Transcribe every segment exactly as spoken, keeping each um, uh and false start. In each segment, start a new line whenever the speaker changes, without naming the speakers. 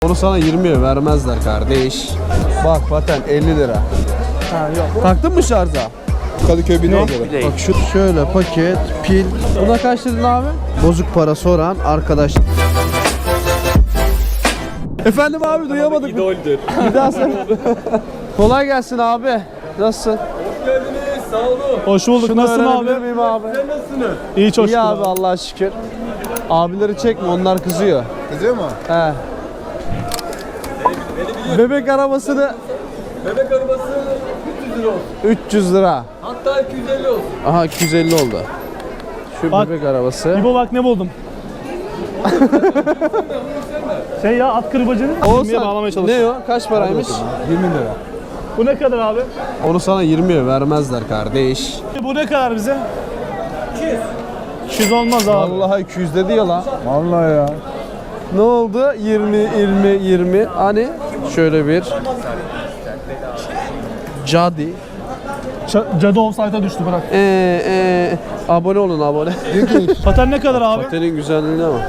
Onu sana yirmiye vermezler kardeş. Bak paten elli lira.
Ha yok.
Taktın mı şarja?
Kadıköy bine
Bak şu şöyle paket, pil. Buna kaç dedin abi? Bozuk para soran arkadaş. Efendim abi duyamadık.
İdoldür.
Bir daha sen. Kolay gelsin abi. Nasılsın?
Hoş geldiniz. Sağ olun.
Hoş bulduk.
Şunu
Nasılsın
öğrenebilir
abi?
miyim abi?
Sen nasılsınız?
İyi çok
İyi
şükür
abi Allah'a şükür. Abileri çekme onlar kızıyor.
Kızıyor mu?
He. Bebek arabasını
Bebek arabası üç yüz lira olsun.
üç yüz lira.
Hatta iki yüz elli olsun.
Aha iki yüz elli oldu. Şu
Bak.
bebek arabası.
İbo bak ne buldum. Şey ya at kırbacını ilmeğe bağlamaya
Ne
çalışıyorum.
o? Kaç paraymış?
yirmi lira.
Bu ne kadar abi?
Onu sana yirmiye vermezler kardeş.
Bu ne kadar bize? iki yüz. iki yüz olmaz abi.
Vallahi iki yüz dedi ya lan.
Vallahi ya.
Ne oldu? yirmi, yirmi, yirmi. Hani şöyle bir Cadi.
Ç- Cadı offside'a düştü bırak.
Ee, ee, abone olun abone.
Paten ne kadar abi?
Patenin güzelliğine bak.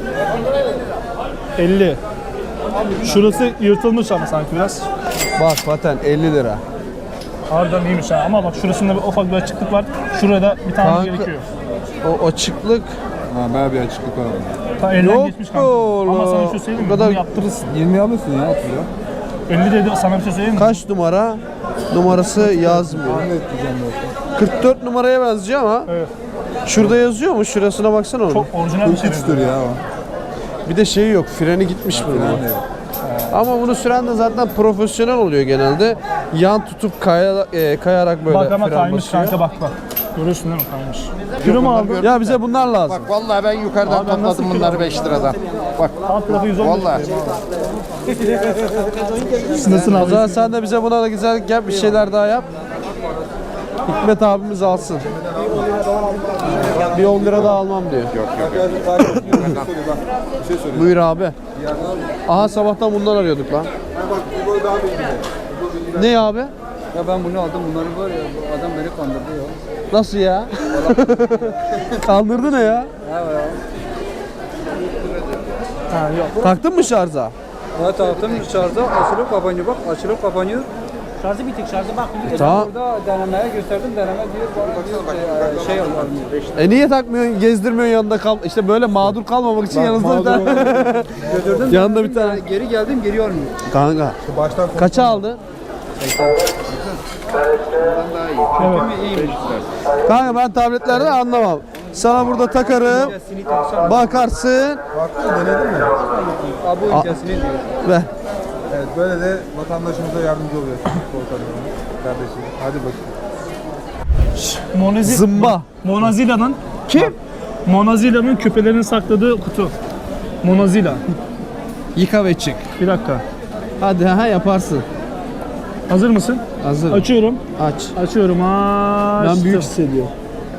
elli. Şurası yırtılmış ama sanki biraz.
Bak paten elli lira.
Harbiden iyiymiş ha ama bak şurasında bir ufak bir açıklık var. Şurada bir tane
Kanka,
gerekiyor.
O açıklık
Ha bayağı bir açıklık var.
Ta elden
yok
geçmiş kanka.
oğlum.
Ama sana bir şey söyleyeyim mi?
Bu kadar-
Bunu yaptırırsın.
yirmi alırsın ya oturuyor.
elli dedi sana bir şey söyleyeyim mi?
kaç numara? Numarası yazmıyor.
Ne diyeceğim zaten.
kırk dört numaraya benziyor ama
Evet.
şurada yazıyor mu? Şurasına baksana onu.
Çok orijinal bir şey.
kırk üçtür ya o.
Bir de şey yok. Freni gitmiş bunun.
Yani.
Ama bunu süren de zaten profesyonel oluyor genelde. Yan tutup kaya, e, kayarak böyle
Bak ama
fren
kaymış
basıyor.
kanka bak bak. Görüyorsun değil mi kaymış? Kilo mu aldın?
Ya bize bunlar lazım.
Bak vallahi ben yukarıdan
Abi ben nasıl
topladım
kilo
bunları beş liradan. Bak
Alt tarafı yüz on beş.
vallahi.
Nasılsın
O
abi?
zaman sen de bize buna da güzellik yap, bir şeyler daha yap. Hikmet abimiz alsın. Bir on lira daha almam diyor.
Bir şey söyleyeyim.
Buyur abi. Aha sabahtan bundan arıyorduk lan. Ne abi?
Ya ben bunu aldım, bunları var ya, bu adam beni kandırdı ya.
Nasıl ya? Kandırdı ne ya?
Ha yok.
Taktın mı şarja?
Ya taktım şarja, açılıp kapanıyor bak, açılıp kapanıyor.
Şarjı bitik şarjı bak.
Tamam.
Burada denemeye gösterdim, deneme diyor, bana diyor ki, e, şey yapalım.
E niye takmıyorsun, gezdirmiyorsun yanında kal? İşte böyle mağdur kalmamak için yanınızda bir tane.
Götürdüm,
Yanında bir tane.
geri geldim, geri almıyor.
Kanka.
Baştan
Kaça aldı? Kanka ben tabletlerden anlamam. Sana burada takarım. Bakarsın.
baktın denedin mi?
Abi bu ülkesini diyor.
Ve
Evet böyle de vatandaşımıza yardımcı oluyor. Volkan'ın kardeşim. Hadi bakayım.
Monazil.
zımba.
Monazila'nın
Kim?
Monazila'nın küpelerini sakladığı kutu. Monazila.
Yıka ve çık.
Bir dakika.
Hadi ha yaparsın.
Hazır mısın?
Hazır.
Açıyorum.
Aç.
Açıyorum. Açtım.
Ben büyük hissediyorum.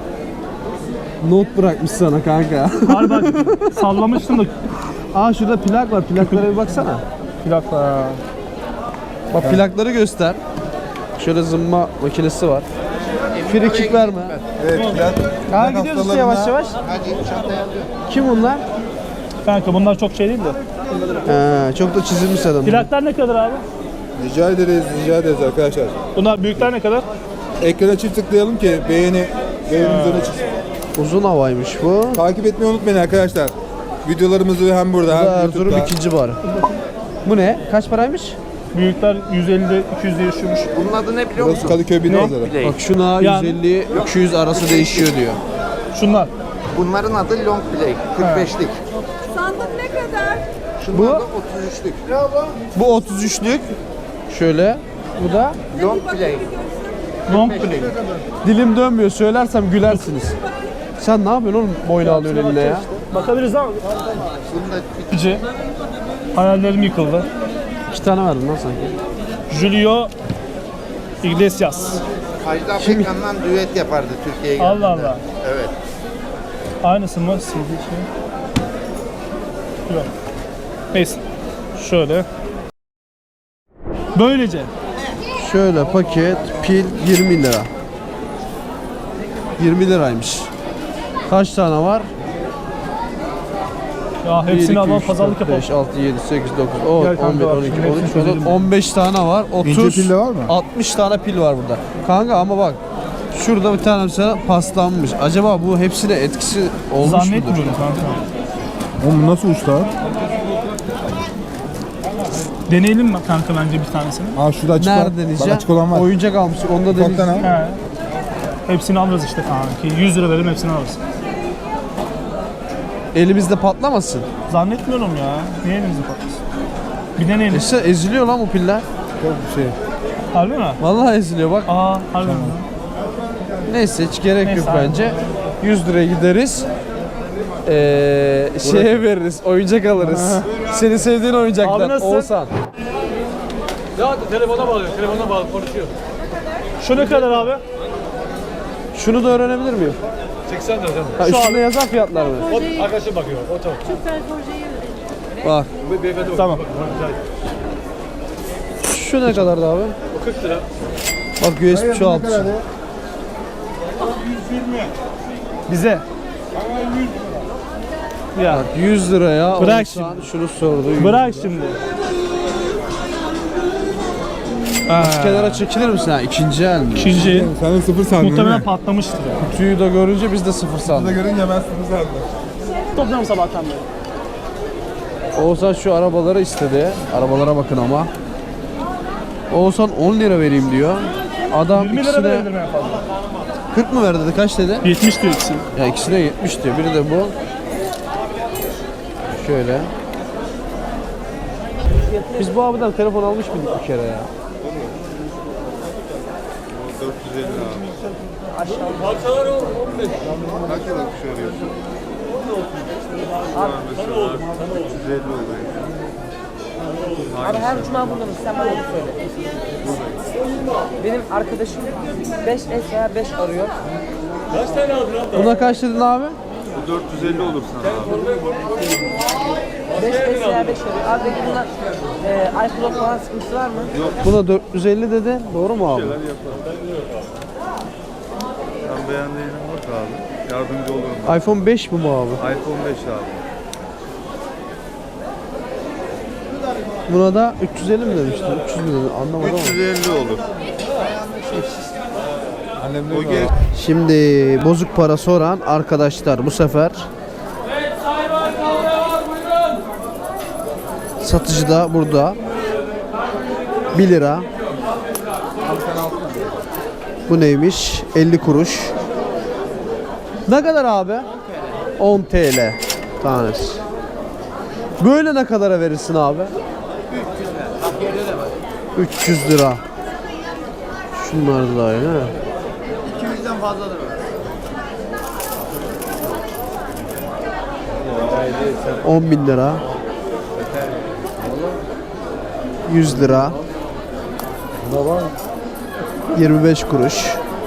Not bırakmış sana kanka.
Harbi sallamıştım da.
Aa şurada plak var. Plaklara bir baksana.
Bir dakika.
Bak plakları göster. Şöyle zımba makinesi var. Frikik verme.
Evet plak.
Ha
plak
gidiyoruz işte
hastalarına-
yavaş yavaş. Kim bunlar?
Kanka bunlar çok şey değil de.
He, çok da çizilmiş adam.
Plaklar ne kadar abi?
Rica ederiz, rica ederiz arkadaşlar.
Bunlar büyükler ne kadar?
Ekrana çift tıklayalım ki beğeni beğenimiz öne çıksın.
Uzun havaymış bu.
Takip etmeyi unutmayın arkadaşlar. Videolarımızı hem burada hem
Erzurum
YouTube'da.
ikinci barı. Bu ne? Kaç paraymış?
Büyükler yüz elli iki yüz değişiyormuş.
Bunun adı ne biliyor
Burası
musun?
Kadıköy bin pazarı.
Play.
Bak şuna
Yani-
yüz elli iki yüz arası değişiyor diyor.
Şunlar.
Bunların adı long play. kırk beşlik.
Sandık ne kadar?
Şunlar
Bu?
da otuz üçlük.
Bu otuz üçlük. Şöyle. Bu da
Long play.
Long play.
dilim dönmüyor. Söylersem gülersiniz. Sen ne yapıyorsun oğlum boynu alıyorsun eline ya?
Bakabiliriz ama.
Bunda bir
Pici. Hayallerim yıkıldı.
İki tane verdim lan sanki.
Julio Iglesias.
Ajda Pekkan'la düet yapardı Türkiye'ye
Allah
geldiğinde.
Allah.
Evet.
Aynısı mı? C D şey. Yok. Neyse. Şöyle. Böylece.
Şöyle paket pil yirmi lira. yirmi liraymış. Kaç tane var?
Ya hepsini alalım, pazarlık yapalım.
beş, altı, yedi, sekiz, dokuz, on,
Gel kanka
on bir,
bak,
on iki,
şimdi
on üç,
hepsini çözelim.
on beş tane var. otuz,
İnce pil de var mı?
altmış tane pil var burada. Kanka ama bak şurada bir tane mesela paslanmış. Acaba bu hepsine etkisi olmuş mudur?
Zannetmiyorum kanka.
Oğlum nasıl usta?
Deneyelim mi kanka bence bir tanesini?
Aa şurada açık
Nerede
var. Bak
deneyeceğim?
açık olan var.
Oyuncak almıştık. Onu da
Ufaktan
deneyeceğim.
al.
He. Hepsini alırız işte kanka. yüz lira verelim hepsini alırız.
Elimizde patlamasın.
Zannetmiyorum ya. Niye elimizi patlasın? Bir deneyelim.
İşte eziliyor lan bu piller.
Çok bir şey.
Harbi mi?
Vallahi eziliyor bak.
Aa harbi mi?
Neyse hiç gerek
Neyse,
yok
abi.
bence. yüz liraya gideriz. Ee, şeye veririz, oyuncak alırız. Senin sevdiğin
Abi
oyuncaklar.
nasılsın?
Oğuzhan.
Ya telefona bağlıyor, telefona bağlı konuşuyor.
Şu ne kadar abi?
Şunu da öğrenebilir miyim?
seksen lira canım.
Ha, üstünde yazan fiyatlar mı?
O arkadaşım bakıyor, o tamam.
Bak.
Bu beyefendi bakıyor.
Tamam.
Bak,
Şu ne kadardı abi?
o kırk lira.
Bak U S B şu altı.
Bize. Ya
Bak yüz liraya.
Bırak
Oğuzhan şunu sordu. yüz
bırak
lira.
şimdi.
Kenara çekilir misin ha? İkinci el mi?
İkinci
Sen de sıfır sandın
muhtemelen
değil mi?
patlamıştır ya.
Tüyü de görünce biz de sıfır
Bunu
sandık.
görünce ben sıfır sandım.
Topluyorum sabahtan beri.
Oğuzhan şu arabaları istedi. Arabalara bakın ama. Oğuzhan on lira vereyim diyor. Adam
yirmi lira
ikisine
verebilirim en fazla.
kırk mı verdi dedi? Kaç dedi?
yetmiş diyor ikisi.
Ya ikisine yetmiş diyor. Biri de bu. Şöyle. Biz bu abiden telefon almış mıydık bir kere ya?
dört yüz elli abi.
Parçalar on beş.
Kaç yıl akış arıyorsun? üç yüz elli oluyor.
Abi her cuma buradayız. Sen bana onu söyle. Benim arkadaşım beş S veya beş arıyor.
Kaç tane aldın abi?
Buna kaç dedin abi?
Bu dört yüz elli olur sana abi.
beş S veya beş arıyor. Abi peki buna e, iCloud falan sıkıntısı var mı?
Buna dört yüz elli dedi. Doğru mu abi?
Sen beğendiğine bak abi. Yardımcı olurum.
iPhone beş mi bu abi?
iPhone beş abi.
Buna da üç yüz elli mi demiştin? üç yüz mü dedin? Anlamadım
üç yüz
ama.
elli olur. Annem o geç.
Şimdi bozuk para soran arkadaşlar bu sefer satıcı da burada bir lira. Bu neymiş? elli kuruş. Ne kadar abi? on T L tanesi. Böyle ne kadara verirsin abi? üç yüz lira. Şunlar da aynı ha.
iki yüzden fazladır o.
on bin lira. yüz lira. yirmi beş kuruş.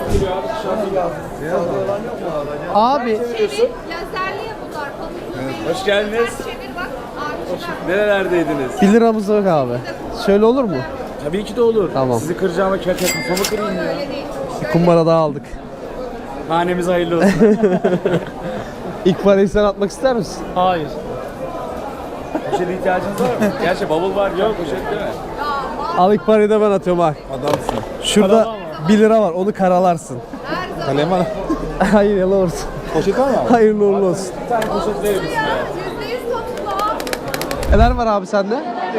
Abi
Lazerli bunlar.
Hoş geldiniz.
Çevir bak. Abi
Nerelerdeydiniz?
bir liramız yok abi. Şöyle olur mu?
Tabii ki de olur.
Tamam.
Sizi kıracağıma kerte kafamı kırayım ya.
öyle değil.
Kumbara daha aldık.
Hanemiz hayırlı olsun.
İlk parayı sen atmak ister misin?
Hayır.
Poşete ihtiyacınız var mı? Gerçi bavul var. Yok poşet değil mi?
Al ilk parayı da ben atıyorum bak.
Adamsın.
Şurada bir lira var onu karalarsın.
Kalem var.
Hayır yalan olsun.
Poşet var mı abi?
Hayırlı uğurlu olsun.
Bir tane poşet verir misin?
Yüzde yüz topla.
Neler var abi sende?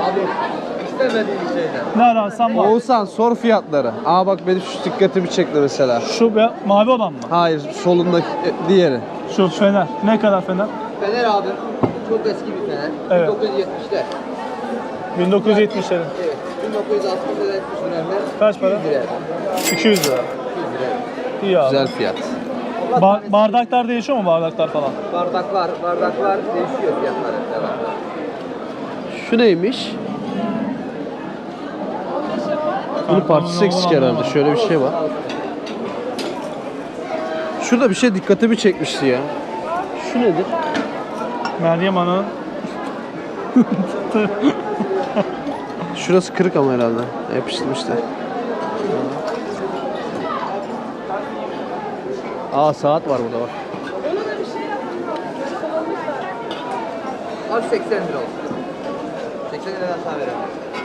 Ne ararsan var.
Oğuzhan sor fiyatları. Aa bak benim şu dikkatimi çekti mesela.
Şu be, mavi olan mı?
Hayır solundaki e, diğeri.
Şu fener. Ne kadar fener?
Fener abi. Çok eski bir fener.
Evet.
bin dokuz yüz yetmişler.
bin dokuz yüz yetmişlerin.
Evet. bin dokuz yüz altmışlar yetmiş dönemler.
Kaç para?
yüz lira.
iki yüz lira. İyi abi.
Güzel fiyat.
Ba- bardaklar değişiyor mu bardaklar falan?
Bardaklar, bardaklar değişiyor fiyatları. devamlı.
Şu neymiş? Bunun parçası eksik herhalde. Şöyle bir şey var. Şurada bir şey dikkatimi çekmişti ya. Şu nedir?
Meryem Ana'nın
Şurası kırık ama herhalde. Yapıştırmışlar. Aa saat var burada bak.
Al seksen lira olsun. seksen liradan sana verelim.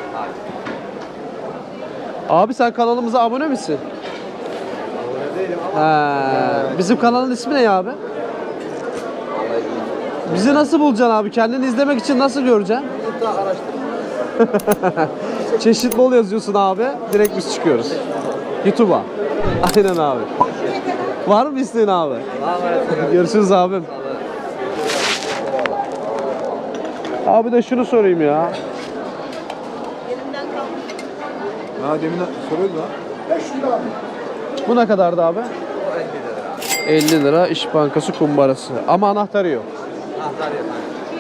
Abi.
Abi sen kanalımıza abone misin?
Abone değilim ama.
Ha, bizim kanalın ismi ne abi? Bizi nasıl bulacaksın abi? Kendini izlemek için nasıl göreceksin?
YouTube'da araştırma.
Çeşit bol yazıyorsun abi. Direkt biz çıkıyoruz. YouTube'a. Aynen abi. Var mı isteğin abi?
Allah'a emanet olun.
Görüşürüz abim. Abi de şunu sorayım ya.
Ha demin soruyordu lan.
Bu ne kadardı abi? elli lira İş Bankası kumbarası. Ama anahtarı yok.
Anahtar yok.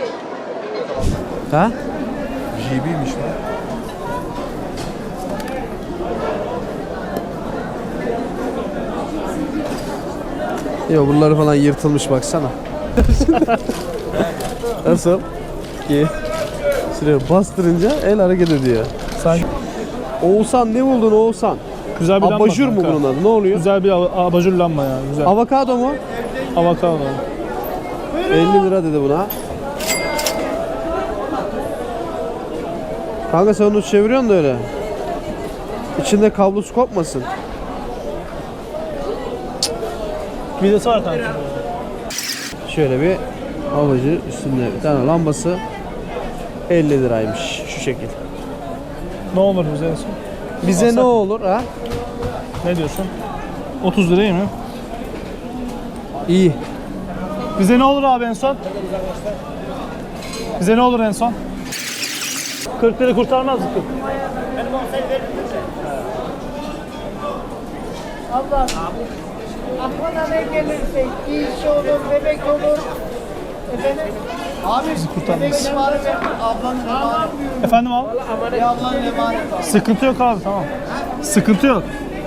Ha?
J B'ymiş lan.
Yok buraları falan yırtılmış baksana. Nasıl? Ki şuraya bastırınca el hareket ediyor.
Sanki
Oğuzhan ne buldun Oğuzhan?
güzel bir lamba.
Abajur mu
kanka.
bunun adı? Ne oluyor?
Güzel bir ab- abajur lamba ya. Güzel.
Avokado mu?
Avokado.
elli lira dedi buna. Kanka sen onu çeviriyorsun da öyle. İçinde kablosu kopmasın.
Vidası var kanka.
Şöyle bir abajur üstünde bir tane lambası elli liraymış şu şekil.
Ne olur bize en son?
Bize
Alsak
ne
mı?
olur ha?
Ne diyorsun? otuz liraya mı?
İyi.
Bize ne olur abi en son? Bize ne olur en son? kırk lira kurtarmaz mı?
Allah. Aklına ne gelirse, iş olur, bebek olur. Efendim? Abi, bebek emanet ver, ablanın emanet.
Efendim abi?
Bir ablanın emanet var.
Sıkıntı yok abi tamam. Sıkıntı yok.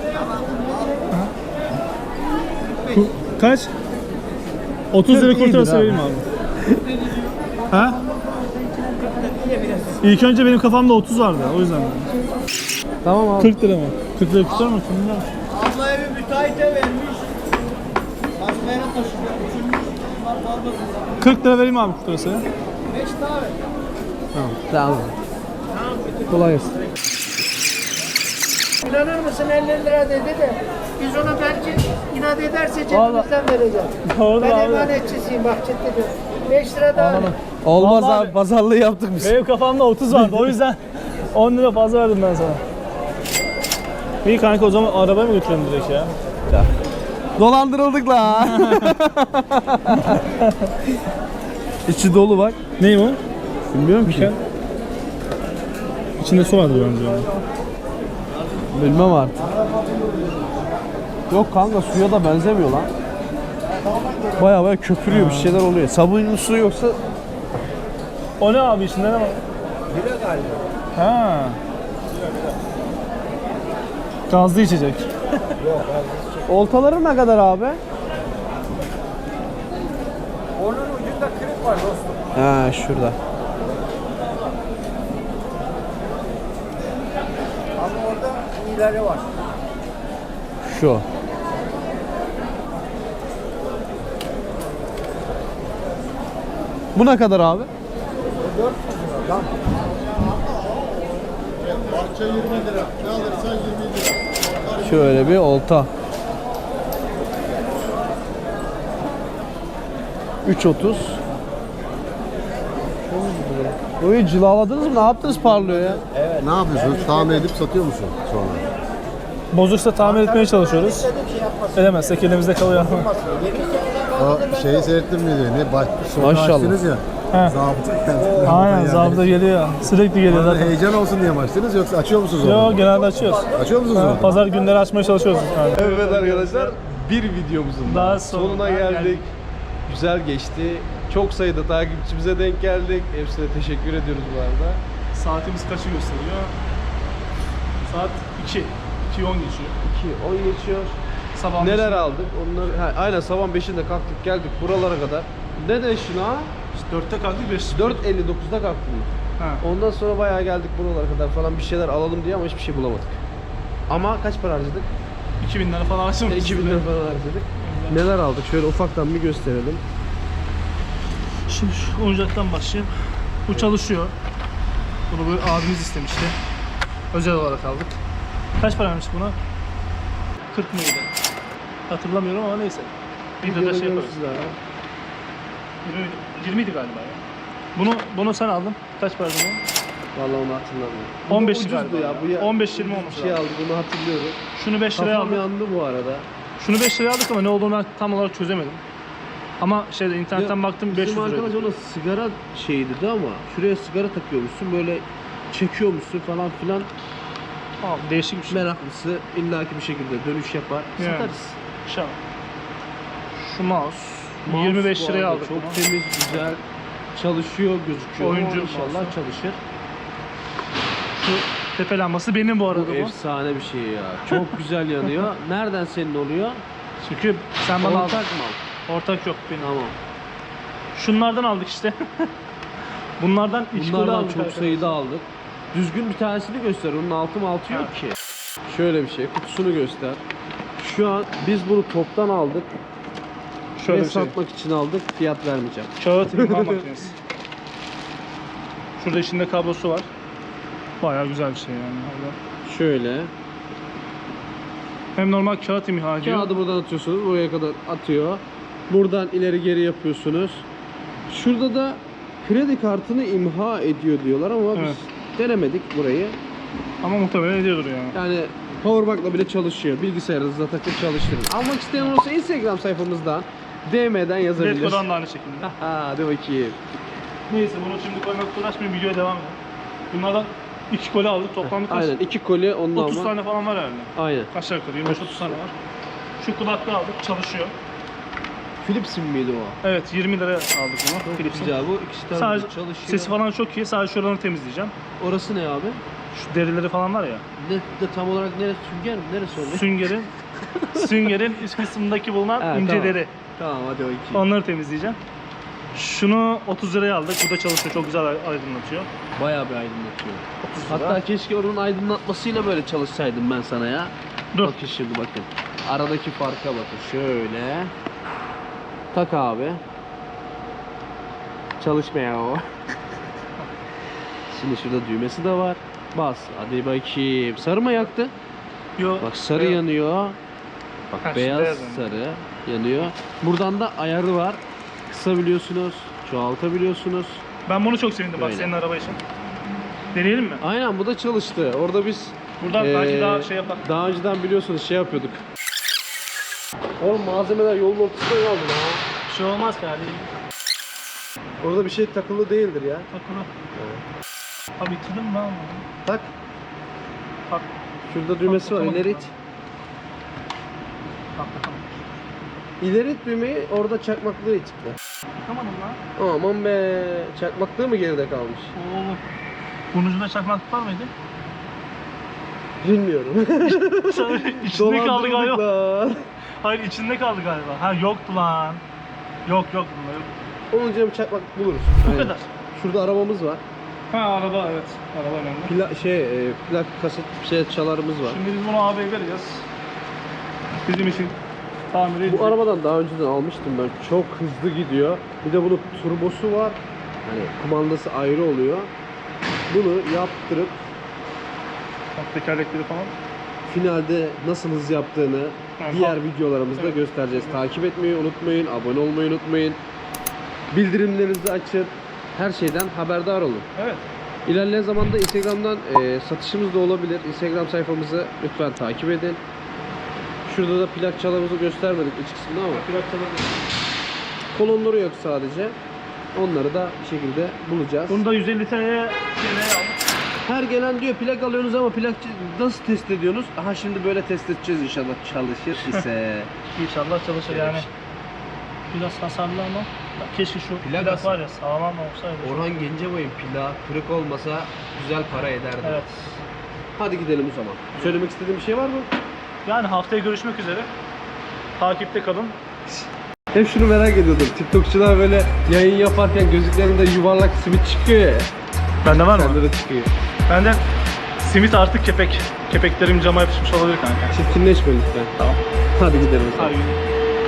Ku- Kaç? otuz lira
kırk iyidir
kurtarsa
abi.
vereyim abi. Ha? İlk önce benim kafamda otuz vardı o yüzden.
Tamam abi.
kırk lira mı? kırk lira kurtar mı? Bilmiyorum.
Ablaya bir müteahhite vermiş. Başka yere taşıyor. Uçurmuş. Bunlar fazla.
kırk lira vereyim abi kurtarsa.
Beş tane.
Tamam. Kolay gelsin.
İnanır mısın elli lira dedi de biz ona belki inat ederse cebimizden vereceğiz.
Doğru
Ben
abi.
emanetçisiyim bak ciddi diyorum. beş lira daha.
Anladım.
Olmaz
Vallahi
abi pazarlığı yaptık biz.
Benim kafamda otuz vardı o yüzden on lira fazla verdim ben sana. İyi kanka o zaman arabaya mı götürelim direkt ya?
Dolandırıldık la. İçi dolu bak.
Ney o?
Bilmiyorum ki.
İçinde su vardı bence.
Bilmem artık. Yok kanka suya da benzemiyor lan. Baya baya köpürüyor bir şeyler oluyor. Sabunlu su yoksa
O ne abi içinde ne var? Bira galiba. Ha. Gazlı içecek.
oltaları ne kadar abi?
Onun ucunda kırık var dostum.
Ha şurada.
Ama orada iyileri var.
Şu. Bu ne kadar abi?
Parça yirmi lira. Ne alırsan yirmi lira.
Şöyle bir olta. üç otuz. Oyu cilaladınız mı? Ne yaptınız parlıyor ya?
Ne yapıyorsun? Tamir edip satıyor musun sonra?
Bozuksa tamir etmeye çalışıyoruz. Edemezsek elimizde kalıyor.
O şeyi seyrettim mi diyor? Ne baş, sonra
Maşallah.
açtınız ya.
He.
Zabıta geldi.
Aynen zabıta geliyor. Sürekli geliyor
Orada
zaten.
heyecan olsun diye mi açtınız yoksa açıyor musunuz onu?
Yo genelde açıyoruz.
Açıyor musunuz
Ha,
onu?
Pazar günleri açmaya çalışıyoruz. Yani.
Evet arkadaşlar bir videomuzun
Daha
daha
sonuna
sonuna geldik.
geldik.
Güzel geçti. Çok sayıda takipçimize denk geldik. Hepsine teşekkür ediyoruz bu arada.
Saatimiz kaçı gösteriyor? Saat iki. iki on geçiyor.
iki on geçiyor.
Sabah
Neler
beşinde.
aldık? Onları ha, aynen sabah beşinde kalktık geldik buralara kadar. Ne de şuna?
İşte dörtte kalktık beş.
dört elli dokuzda kalktım.
Ha.
Ondan sonra bayağı geldik buralara kadar falan bir şeyler alalım diye ama hiçbir şey bulamadık. Ama kaç para harcadık?
iki bin lira falan açtım.
iki bin lira falan harcadık. Neler aldık? Şöyle ufaktan bir gösterelim.
Şimdi şu oyuncaktan başlayayım. Bu çalışıyor. Bunu böyle abimiz istemişti. Özel olarak aldık. Kaç paraymış buna? kırk mıydı? Hatırlamıyorum ama neyse. Videoda şey yaparız. yirmi idi galiba ya. Bunu bunu sen aldın. Kaç para bunu?
Vallahi onu hatırlamıyorum.
on beş
Ucuzdu
galiba ya.
Bu ya-
on beş yirmi
ucuz
olmuş
bir şey
lazım.
aldık, bunu hatırlıyorum.
Şunu beş liraya
Kafam
aldık.
yandı bu arada.
Şunu beş liraya aldık ama ne olduğunu ben tam olarak çözemedim. Ama şeyde internetten
Ya,
baktım beş yüz
Bizim
liraydı.
arkadaş ona sigara şeyi dedi ama şuraya sigara takıyormuşsun, böyle çekiyormuşsun falan filan.
Tamam, değişik bir şey.
Meraklısı illaki bir şekilde dönüş yapar.
Yani.
Satarız.
Şu, şu mouse,
Mouse
yirmi beş
bu
liraya
arada
aldık
Çok
bunu.
temiz, güzel. Çalışıyor, gözüküyor.
Oyuncu
İnşallah
mouse'u.
çalışır.
Şu tepe lambası benim bu arada
Bu
bu.
efsane bir şey ya. Çok güzel yanıyor. Nereden senin oluyor?
Çünkü sen bana
Ortak
aldın.
mal.
Ortak yok benim.
Tamam.
Şunlardan aldık işte. Bunlardan iki kolu
Bunlardan
aldık
çok
arkadaşlar.
sayıda aldık. Düzgün bir tanesini göster. Onun altı mı altı yok ki. Şöyle bir şey. Kutusunu göster. Şu an biz bunu toptan aldık.
Şöyle
Ve
bir şey.
satmak için aldık. Fiyat vermeyeceğim.
Kağıt imha makinesi. Şurada içinde kablosu var. Bayağı güzel bir şey yani. Orada.
Şöyle.
Hem normal kağıt imha ediyor.
Kağıdı buradan atıyorsunuz. Buraya kadar atıyor. Buradan ileri geri yapıyorsunuz. Şurada da kredi kartını imha ediyor diyorlar ama
Evet.
biz denemedik burayı.
Ama muhtemelen ediyordur yani.
Yani powerbank'la bile çalışıyor. Bilgisayarınızda takıp çalıştırın. Almak isteyen olursa Instagram sayfamızdan D M'den yazabilir.
Letgo'dan da aynı şekilde.
Hadi bakayım.
Neyse bunu şimdi koymak uğraşmayayım, videoya devam edelim. Bunlardan iki koli aldık, toplamda kaç?
Aynen iki koli ondan
otuz
ama.
tane falan var herhalde.
Aynen.
Aşağı yukarı yirmi beş otuz tane var. Şu kulaklığı aldık, çalışıyor.
Philips'in miydi o?
Evet, yirmi liraya aldık bunu. Philips'in.
Güzel bu. İkisi tarafı
Sadece
çalışıyor.
sesi falan çok iyi. Sadece şuralarını temizleyeceğim.
Orası ne abi?
Şu derileri falan var ya.
Ne, de tam olarak neresi? Sünger mi? Neresi oluyor?
Süngerin süngerin üst kısmındaki bulunan
Ha,
ince
tamam.
deri.
Tamam hadi bakayım.
Onları temizleyeceğim. Şunu otuz liraya aldık. Burada çalışıyor. Çok güzel aydınlatıyor.
Bayağı bir aydınlatıyor.
otuz lira.
Hatta keşke onun aydınlatmasıyla böyle çalışsaydım ben sana ya.
Dur.
Bakın şimdi bakın. Aradaki farka bakın. Şöyle. Tak abi. Çalışmıyor o. Şimdi şurada düğmesi de var. Bas. Hadi bakayım. Sarı mı yaktı?
Yo,
Bak sarı
beyaz.
yanıyor. Bak
Ha, şu
beyaz,
beyaz
sarı yanıyor. Buradan da ayarı var. Kısabiliyorsunuz, çoğaltabiliyorsunuz.
Ben bunu çok sevindim bak
Böyle.
senin araba için. Deneyelim mi?
Aynen bu da çalıştı. Orada biz
Buradan belki
Ee,
daha şey yapar.
daha önceden biliyorsunuz şey yapıyorduk. Oğlum malzemeler yolun ortasında kaldı lan.
Bir şey olmaz kardeşim.
Orada bir şey takılı değildir ya.
Bak bunu. Abi bitirdim mi lan?
Tak.
Bak.
Şurada düğmesi var.
Tamam.
İleri it.
Bak bakalım.
İleri it düğmeyi, orada çakmaklığı itikle.
Bakamadım lan.
Aman be. Çakmaklığı mı geride kalmış?
Oğlum. Bunun ucunda çakmaklık var mıydı?
Bilmiyorum.
içinde kaldı galiba.
Dolandırıldık lan.
Hayır içinde kaldı galiba. Ha yoktu lan. Yok yok bunda yok.
Onun için bir çakmaklık buluruz.
Bu
Aynen.
kadar.
Şurada arabamız var.
Ha araba evet. Araba önemli.
Pla şey, e, plak kaset şey çalarımız var.
Şimdi biz bunu abiye vereceğiz. Bizim için tamir edecek.
Bu arabadan daha önceden almıştım ben. Çok hızlı gidiyor. Bir de bunun turbosu var. Hani kumandası ayrı oluyor. Bunu yaptırıp
Bak, tekerlekleri falan.
finalde nasıl hız yaptığını
Yani
diğer
bak-
videolarımızda
Evet.
göstereceğiz. Takip etmeyi unutmayın, abone olmayı unutmayın. Bildirimlerinizi açın. Her şeyden haberdar olun.
Evet.
İlerleyen zamanda Instagram'dan e, satışımız da olabilir. Instagram sayfamızı lütfen takip edin. Şurada da plak çalarımızı göstermedik iç kısmında ama
Plak çalabilir.
kolonları yok sadece. Onları da bir şekilde bulacağız.
Bunu da yüz elli T L'ye aldık.
Her gelen diyor plak alıyorsunuz ama plak nasıl test ediyorsunuz? Aha şimdi böyle test edeceğiz inşallah çalışır ise.
İnşallah çalışır yani. Biraz hasarlı ama bak keşke şu
Plak
plak,
hasar.
var ya sağlam olsaydı.
Orhan Gencebay'ın plağı kırık olmasa güzel para ederdi.
Evet.
Hadi gidelim o zaman. Söylemek istediğin bir şey var mı?
Yani haftaya görüşmek üzere. Takipte kalın.
Hep şunu merak ediyordum. TikTokçular böyle yayın yaparken gözlüklerinde yuvarlak simit çıkıyor ya.
Bende var mı?
Sende de çıkıyor.
Bende simit artık kepek. Kepeklerim cama yapışmış olabilir kanka.
Çirkinleşme lütfen.
Tamam.
Hadi gidelim o zaman.
Hadi.